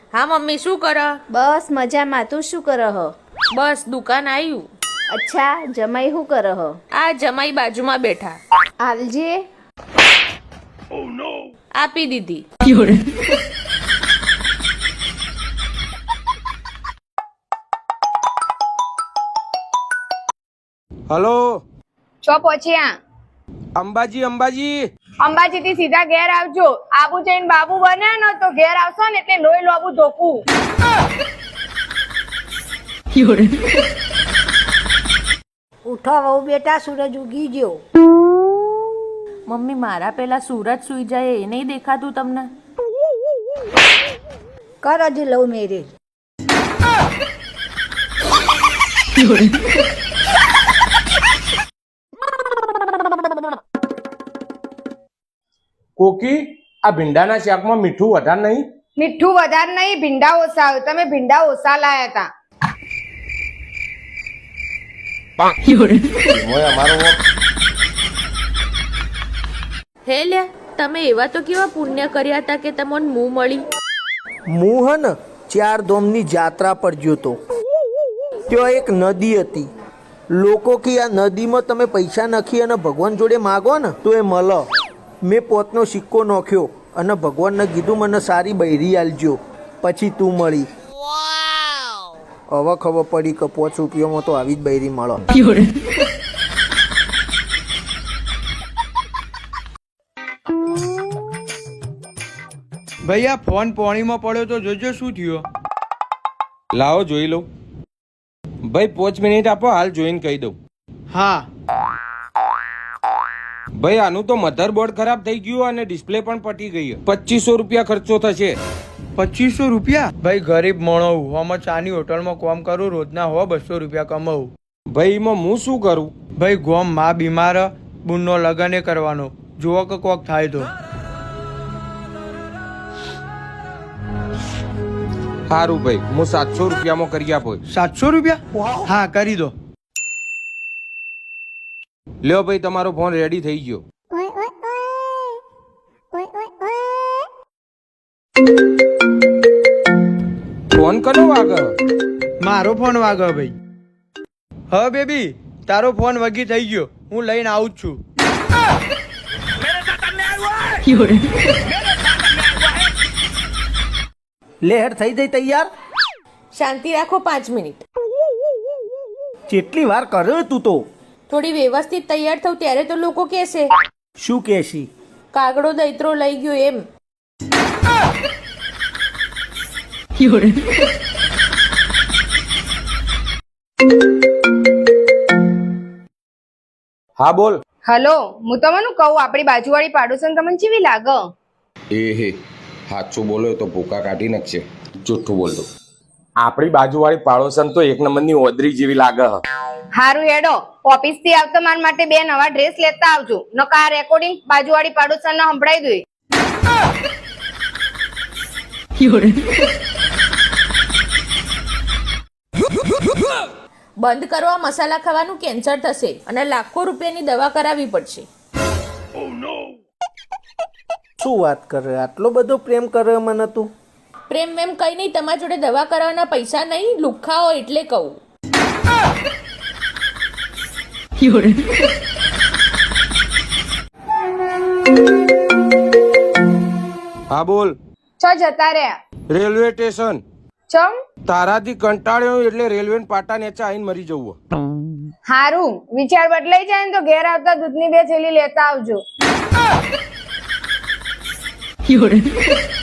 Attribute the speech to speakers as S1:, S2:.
S1: હા મમ્મી શું કરે?
S2: બસ મજામાં. તું શું કરહ?
S1: બસ દુકાન આવ્યું.
S2: અચ્છા, જમાઈ શું કરહ?
S1: આ જમાઈ બાજુમાં બેઠા.
S2: આલજે.
S1: આપી દીધી.
S3: હલો
S4: છો પહોંચ્યા?
S3: અંબાજી
S4: અંબાજી થી સીધા ઘેર આવજો. આબુ જઈને બાબુ બને ને તો ઘેર આવશો ને એટલે લોહી લોબુ ધોકું.
S5: ઉઠો વહુ બેટા, સૂરજ ઉગી ગયો.
S1: મમ્મી મારા પેલા સુરત સુઈ જાય એ નહીં દેખાતું તમને?
S5: કર હજી લવ મેરેજ.
S3: કોકી આ ભીંડાના શાકમાં મીઠું વધારે નહીં?
S4: મીઠું વધારે નહીં, ભીંડા ઓછા આવે. તમે ભીંડા ઓછા લાયા હતા.
S3: એમાંય અમારો
S1: હે લ્યા, તમે એવા તો કેવા પુણ્ય કર્યા હતા કે તમને મું મળી?
S6: હું હે ને 4 ધામની જાત્રા પર ગયો તો. ત્યાં એક નદી હતી. લોકો કે આ નદીમાં તમે પૈસા નાખી અને ભગવાન જોડે માગો ને તો એ મળે. મેં પોતનો સિક્કો નાખ્યો અને ભગવાનને કીધું મને સારી બૈરી આલજો, પછી તું મળી. હવે ખબર પડી કે 5 રૂપિયામાં તો આવી જ બૈરી મળે.
S7: ભાઈ આ ફોન પાણીમાં પડ્યો તો જોજો શું થયું.
S3: લાવો જોઈ લઉં. ભાઈ 5 મિનિટ આપો, હાલ જોઈને કહી દઉં.
S7: હા
S3: ભાઈ આનું તો મધરબોર્ડ ખરાબ થઈ ગયું અને ડિસ્પ્લે પણ પટી ગઈ. 2500 રૂપિયા ખર્ચો થશે.
S7: 2500 રૂપિયા? ભાઈ ગરીબ માણસ, હું ચાની હોટલમાં કામ કરું, રોજના 200 રૂપિયા કમાવું.
S3: ભાઈ એમાં હું શું કરું?
S7: ભાઈ ગોમ માં બીમાર, બુનનો લગન એ કરવાનો, જુઓ કે કોક થાય તો.
S3: સારું ભાઈ, હું 700 રૂપિયામાં કરી આપો.
S7: 700 રૂપિયા? હા કરી દો.
S3: લ્યો ભાઈ, તમારો ફોન રેડી થઈ ગયો. ફોન કનો વાગે?
S7: મારો ફોન વાગે ભાઈ. હા બેબી, તારો ફોન વગી થઈ ગયો, હું લઈને આવું જ છું.
S6: લહેર થઈ જઈ તૈયાર?
S1: શાંતિ રાખો 5 મિનિટ.
S6: કેટલી વાર કર્યો તું તો?
S1: થોડી વ્યવસ્થિત તૈયાર થઉં ત્યારે તો લોકો કહેશે
S6: શું કહેશી?
S1: કાગડો દૈત્રો લઈ ગયો એમ.
S3: હા બોલ.
S4: હલો, હું તમને કહું, આપણી બાજુવાળી પાડોશન તમને કેવી લાગે?
S3: હે સાચું બોલો તો ભૂકા કાઢી નાખશે. જૂઠું બોલતો. આપણી બાજુવાળી પાડોશન તો 1 નંબરની ઓદરી જેવી લાગે.
S4: હારું હેડો, ઓફિસ થી આવતા માર માટે 2 નવા ડ્રેસ લેતા આવજો. નકા આ રેકોર્ડિંગ બાજુવાળી પાડોશન ને સંભળાઈ દે.
S1: બંધ કરવા મસાલા ખાવાનું કેન્સર થશે અને લાખો રૂપિયાની દવા કરાવવી પડશે.
S6: શું વાત કરે? આટલો બધો પ્રેમ કરે મને તું?
S1: પ્રેમ વેમ કઈ નહીં, તમારા જોડે દવા કરાવવાના પૈસા નહીં, લુખ્ખાઓ એટલે કહું.
S3: હા બોલ.
S4: છો જતા રહ્યા?
S3: Railway station.
S4: ચમ?
S3: તારાથી કંટાળ્યો એટલે રેલવે પાટા નેચા આવીને મરી જવું.
S4: હારું, વિચાર બદલાઈ જાય ને તો ઘેર આવતા દૂધની 2 થેલી લેતા આવજો.